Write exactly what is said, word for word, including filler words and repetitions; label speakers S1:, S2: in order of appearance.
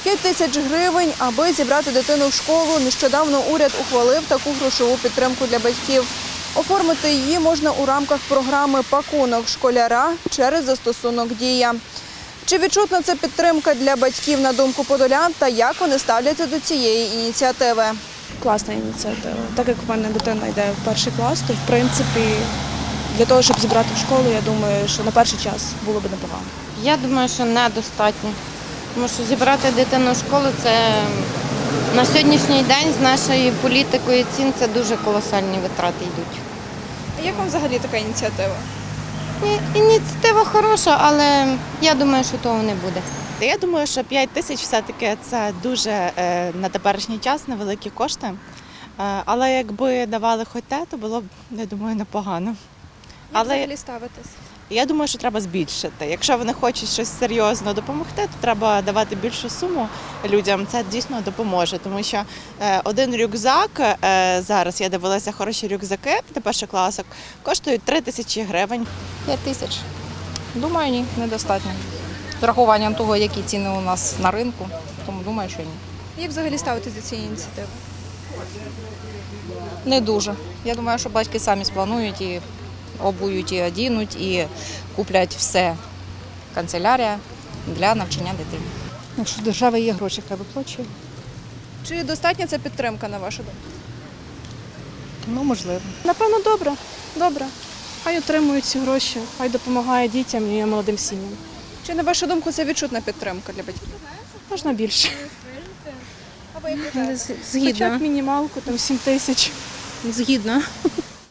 S1: п'ять тисяч гривень, аби зібрати дитину в школу. Нещодавно уряд ухвалив таку грошову підтримку для батьків. Оформити її можна у рамках програми «Пакунок школяра» через застосунок «Дія». Чи відчутна це підтримка для батьків, на думку подолян, та як вони ставляться до цієї ініціативи?
S2: Класна ініціатива. Так як в мене дитина йде в перший клас, то в принципі для того, щоб зібрати в школу, я думаю, що на перший час було б непогано.
S3: Я думаю, що недостатньо. Тому що зібрати дитину в школу – це на сьогоднішній день з нашою політикою цін це дуже колосальні витрати йдуть.
S1: А як вам взагалі така ініціатива?
S3: І- Ініціатива хороша, але я думаю, що того не буде.
S4: Я думаю, що п'ять тисяч все-таки це дуже е, на теперішній час невеликі кошти. Е, але якби давали хоч те, то було б, я думаю, непогано.
S1: Як
S4: Але
S1: взагалі ставитись?
S4: я думаю, що треба збільшити. Якщо вони хочуть щось серйозно допомогти, то треба давати більшу суму людям. Це дійсно допоможе, тому що е, один рюкзак, е, зараз я дивилася хороші рюкзаки для першокласок, коштують три тисячі гривень.
S5: п'ять тисяч. Думаю, ні, недостатньо. З урахуванням того, які ціни у нас на ринку, тому думаю, що ні.
S1: Як взагалі ставитись до цієї ініціативи?
S5: Не дуже. Я думаю, що батьки самі спланують і обують, і одінуть, і куплять все. Канцелярія для навчання дитини.
S6: Якщо в держави є гроші, хай виплачує.
S1: Чи достатня ця підтримка, на вашу думку?
S6: Ну, можливо.
S2: Напевно, добре. Добре. Хай отримують ці гроші, хай допомагає дітям і молодим сім'ям.
S1: Чи, на вашу думку, це відчутна підтримка для батьків?
S2: Можна більше.
S1: А ви як вважаєте?
S2: Хоча б мінімалку, там сім тисяч.
S7: Згідно.